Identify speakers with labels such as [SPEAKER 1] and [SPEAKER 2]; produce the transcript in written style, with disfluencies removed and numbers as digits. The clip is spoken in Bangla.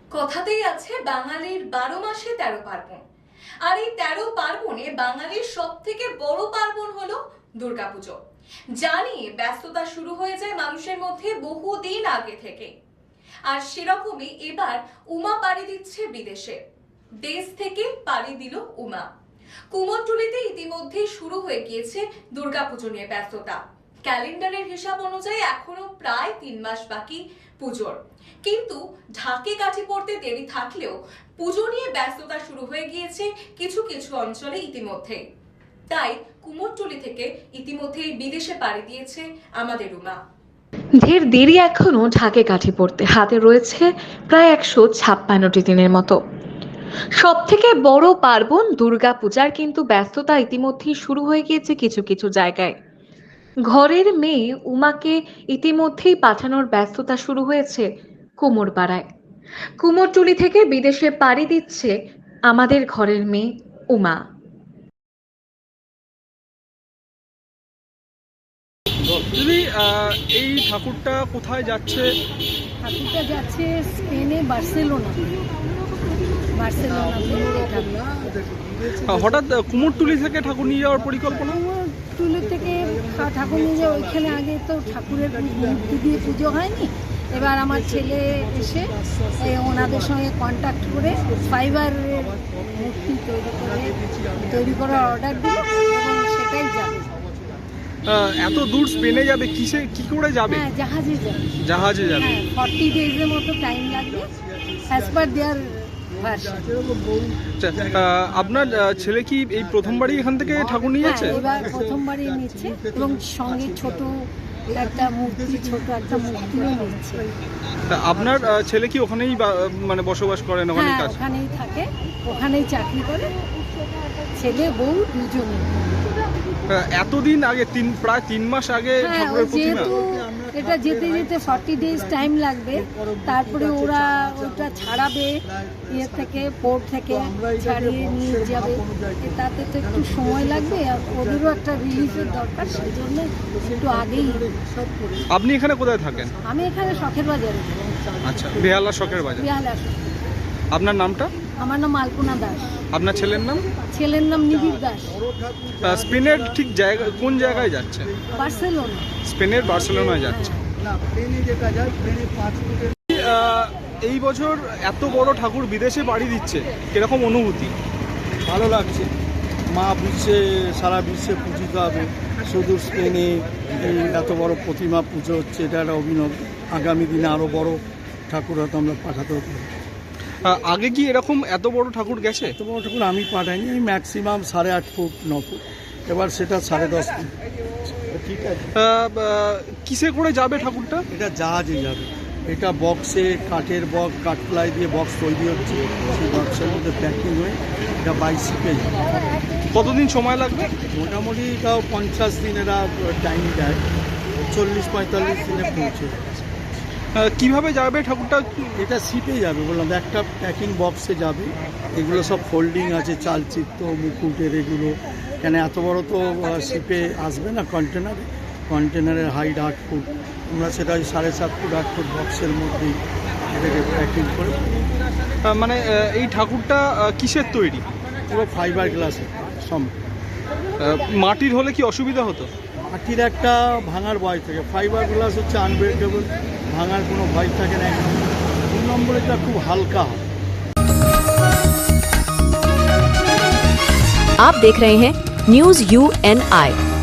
[SPEAKER 1] কথাতেই আছে বাঙালির 12 মাসে 13 পার্বণ। আর এই 13 পার্বণে বাঙালির সব থেকে বড় পার্বণ হলো দুর্গাপুজো। জানি ব্যস্ততা শুরু হয়ে যায় মানুষের মধ্যে বহুদিন আগে থেকে। আর সেরকমই এবার উমা পাড়ি দিচ্ছে বিদেশে। দেশ থেকে পাড়ি দিল উমা। কুমোরটুলিতে ইতিমধ্যে শুরু হয়ে গিয়েছে দুর্গাপুজো নিয়ে ব্যস্ততা। ক্যালেন্ডারের হিসাব অনুযায়ী এখনো প্রায় 3 মাস বাকি পুজোর, কিন্তু ঢাকে কাঠি পড়তে দেরি থাকলেও পুজো নিয়ে ব্যস্ততা শুরু হয়ে গিয়েছে কিছু কিছু অঞ্চলে ইতিমধ্যে। তাই কুমোরটুলি থেকে ইতিমধ্যেই বিদেশে পাড়ি দিয়েছে আমাদের উমা।
[SPEAKER 2] ঢের দেরি এখনো ঢাকে কাঠি পড়তে, হাতে রয়েছে প্রায় 156টি দিনের মতো। সব থেকে বড় পার্বণ দুর্গা পূজার কিন্তু ব্যস্ততা ইতিমধ্যেই শুরু হয়ে গিয়েছে কিছু কিছু জায়গায়। ঘরের মেয়ে উমাকে ইতিমধ্যেই পাঠানোর ব্যস্ততা শুরু হয়েছে কুমোরপাড়ায়। কুমোরটুলি থেকে বিদেশে পাড়ি দিচ্ছে আমাদের ঘরের মেয়ে উমা।
[SPEAKER 3] দিদি, এই ঠাকুরটা কোথায় যাচ্ছে?
[SPEAKER 4] ঠাকুরটা যাচ্ছে স্পেনে, বার্সেলোনা।
[SPEAKER 3] হঠাৎ কুমোরটুলি থেকে ঠাকুর নিয়ে যাওয়ার পরিকল্পনা?
[SPEAKER 4] কুমোরটুলি থেকে ঠাকুর নিয়ে যাওয়া, ওইখানে আগে তো ঠাকুরের মূর্তি দিয়ে পুজো হয়নি। এবার আমার ছেলে এসে ওনাদের সঙ্গে কন্ট্যাক্ট করে ফাইবারের মূর্তি তৈরি করার অর্ডার দিল এবং সেটাই যাবে।
[SPEAKER 3] এত দূর স্পেনে যাবে কি করে যাবে?
[SPEAKER 4] হ্যাঁ, জাহাজে যাবে।
[SPEAKER 3] জাহাজে যাবে।
[SPEAKER 4] 40 ডেজের মতো টাইম লাগবে অ্যাজ পার দেয়ার ভার্সন।
[SPEAKER 3] আপনার ছেলে কি এই প্রথমবারই এখান থেকে ঠাকুর নিয়ে যাচ্ছে?
[SPEAKER 4] এবার প্রথমবারই নিচ্ছে এবং সঙ্গে ছোট একটা মূর্তিও নিচ্ছে।
[SPEAKER 3] আপনার ছেলে কি ওখানেই মানে বসবাস করেন? ওখানেই কাজ?
[SPEAKER 4] ওখানেই থাকে, ওখানেই চাকরি করে, ছেলে বউ দুজনে।
[SPEAKER 3] এতদিন আগে প্রায় 3 মাস আগে ঠাকুরের প্রতিমা?
[SPEAKER 4] এটা যেতে যেতে 40 ডেজ টাইম লাগবে, তারপরে ওরা ওটা ছাড়াবে ইয়ে থেকে, পোর্ট থেকে ছাড়িয়ে নিয়ে যাবে। তাতে তো একটু সময় লাগবে, আর ওদেরও একটা রিলিফের দরকার, সেই জন্য একটু আগেই সব করে।
[SPEAKER 3] আপনি এখানে কোথায় থাকেন?
[SPEAKER 4] আমি এখানে শখের বাজারে।
[SPEAKER 3] আচ্ছা, বেহালা শখের বাজার।
[SPEAKER 4] বেহালা।
[SPEAKER 3] আপনার নামটা?
[SPEAKER 4] আমার নাম আলপনা দাস।
[SPEAKER 3] আপনার ছেলের নাম?
[SPEAKER 4] ছেলের নাম নিবিড় দাস।
[SPEAKER 3] স্পেনের ঠিক জায়গা কোন জায়গায় যাচ্ছে?
[SPEAKER 4] বার্সেলোনা।
[SPEAKER 3] স্পেনের বার্সেলোনায় যাচ্ছে। এই বছর এত বড় ঠাকুর বিদেশে পাড়ি দিচ্ছে, কিরকম অনুভূতি?
[SPEAKER 5] ভালো লাগছে। মা সারা বিশ্বে পূজিত হবে, শুধু স্পেনে এই এত বড় প্রতিমা পুজো হচ্ছে, এটা একটা অভিনব। আগামী দিনে আরও বড় ঠাকুর হয়তো আমরা পাঠাতেও পারি।
[SPEAKER 3] আগে কি এরকম এত বড় ঠাকুর গেছে?
[SPEAKER 5] এত বড় ঠাকুর আমি পাঠাইনি, আমি ম্যাক্সিমাম 8.5 ফুট 9 ফুট, এবার সেটা 10.5 ফুট। ঠিক আছে।
[SPEAKER 3] কিসে করে যাবে ঠাকুরটা?
[SPEAKER 5] এটা জাহাজে যাবে। এটা বক্সে, কাঠের বক্স, কাঠপ্লাই দিয়ে বক্স তৈরি হচ্ছে, সেই বক্সের মধ্যে প্যাকিং হয়ে এটা বাই শিপে যাবে।
[SPEAKER 3] কতদিন সময় লাগবে?
[SPEAKER 5] মোটামুটি তাও 50 দিন এরা টাইম দেয়, 40-45 দিনে পৌঁছে।
[SPEAKER 3] কিভাবে যাবে ঠাকুরটা?
[SPEAKER 5] এটা শিপে যাবে বললাম, একটা প্যাকিং বক্সে যাবে। এগুলো সব ফোল্ডিং আছে, চালচিত্র, মুকুটের এগুলো। কেন এত বড় তো শিপে আসবে না, কন্টেনারের হাইট 8 ফুট, আমরা সেটা 7.5 ফুট 8 ফুট বক্সের মধ্যেই এটাকে প্যাকিং করে।
[SPEAKER 3] মানে এই ঠাকুরটা কিসের তৈরি?
[SPEAKER 5] পুরো ফাইবার গ্লাসের সব।
[SPEAKER 3] মাটির হলে কি অসুবিধা হতো?
[SPEAKER 5] মাটির একটা ভাঙার ভয় থাকে, ফাইবার গ্লাস হচ্ছে আনব্রেকেবল, ভাঙার কোনো ভয় থাকে না। 2 নম্বর এটা খুব হালকা হয়।
[SPEAKER 6] आप देख रहे हैं न्यूज़ UNI।